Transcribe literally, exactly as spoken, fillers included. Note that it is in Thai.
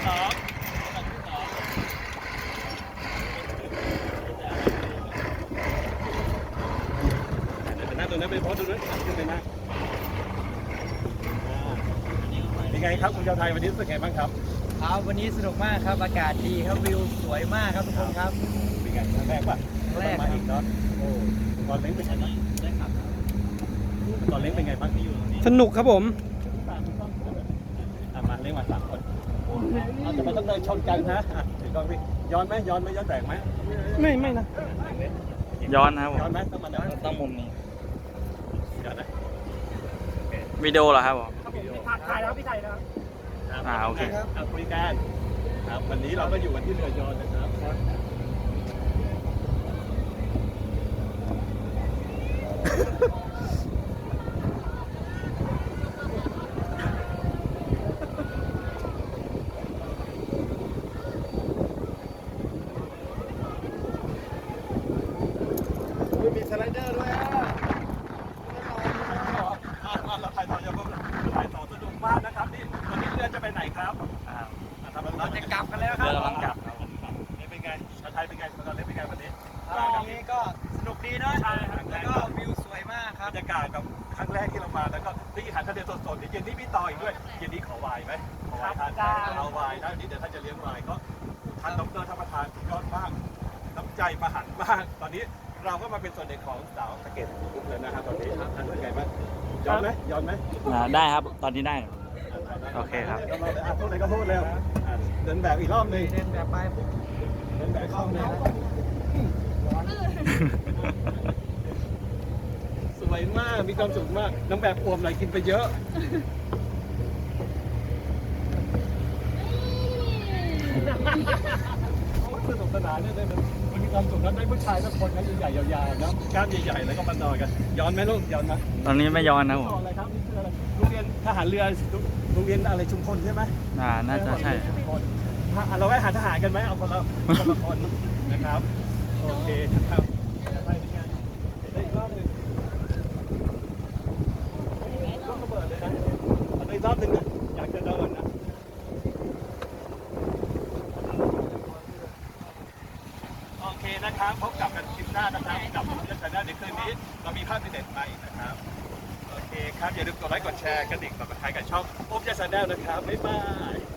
สองลำที่สองเดี๋ยวนั่งตรงนั้นไปพอตรงนั้นขึ้นไปนั่งเป็นไงครับคุณชาวไทยวันนี้รู้สึกไงบ้างครับครับวันนี้สนุกมากครับอากาศดีครับวิวสวยมากครับทุกคนครับเป็นไงครั้งแรกป่ะแรกมาอีกเนาะโอ้ตอนเล้งเป็นไงบ้างได้ครับตอนเล้งเป็นไงบ้างที่อยู่ตรงนี้สนุกครับผมมาเล้งมาสามคนเราจะไม่ต้องเดินชนกันนะถือกล้องพี่ย้อนไหมย้อนไหมย้อนแตกไหมไม่ไม่นะย้อนนะครับผมย้อนไหมต้องมาย้อนต้องมุมนี้ย้อนนะวิดีโอเหรอครับผมถ่ายแล้วพี่ถ่ายแล้วอ่าโอเคครับคุยกันครับวันนี้เราก็อยู่กันที่เรือยอชต์นะครับมีสไลเดอร์ด้วยอ่ะเราถ่ายต่อยังถ่ายต่อสนุกมากนะครับนี่วันนี้เรือจะไปไหนครับเราจะกลับกันแล้วครับเรือกำลังกลับนี่เป็นไงชาวไทยเป็นไงตอนนี้เป็นไงวันนี้วันนี้ก็สนุกดีเนาะแล้วก็วิวสวยมากครับบรรยากาศแบบครั้งแรกที่เรามาแล้วก็ได้กินอาหารทะเลสดๆเดี๋ยวเย็นนี้มีต่ออีกด้วยเย็นนี้ขอวายไหมขอวายทานเอาวายนะนี่เดี๋ยวท่านจะเลี้ยงวายก็ท่านดรท่านประธานสุดยอดมากน้ำใจมหันต์มากตอนนี้เราก็มาเป็นส่วนหนึ่งของสาวสะเก็ดทุกเลยนะครับตอนนี้ท่านเป็นไงบ้างย้อนไหมย้อนไหมได้ครับตอนนี้ได้โอเคครับพูดอะไรก็พูดเร็วเดินแบบอีกรอบหนึ่งเดินแบบไปเดินแบบรอบหนึ่งสวยมากมีความสุขมากน้ำแบบอวมไหลกินไปเยอะสนุกสนานเนี่ยมันมีความสุขแล้วได้ผู้ชายสักคนนะใหญ่ๆยาวๆนะกล้ามใหญ่ๆแล้วก็มานอนกันย้อนไหมลูกย้อนไหมตอนนี้ไม่ย้อนนะผมอะไรครับนี่คืออะไรโรงเรียนทหารเรือโรงเรียนอะไรชุมพลใช่ไหมอ่าน่าจะใช่เราไปหาทหารกันไหมเอาคนละคนละคนนะครับโอเคครับไปเป็นไงได้อีกรอบหนึ่งลูกระเบิดเลยนะเอาอีกรอบหนึ่งนะอยากจะเดินนะโอเคนะครับพบกับกันคลิปหน้านะครับกับผมจะชนะในคืนนี้เรามีภาพเด็ดไปนะครับโอเคครับอย่าลืมกดไลค์กดแชร์กระดิ่งกดติดตามกับช่องโอ๊บยาชาแนลนะครับบ๊ายบาย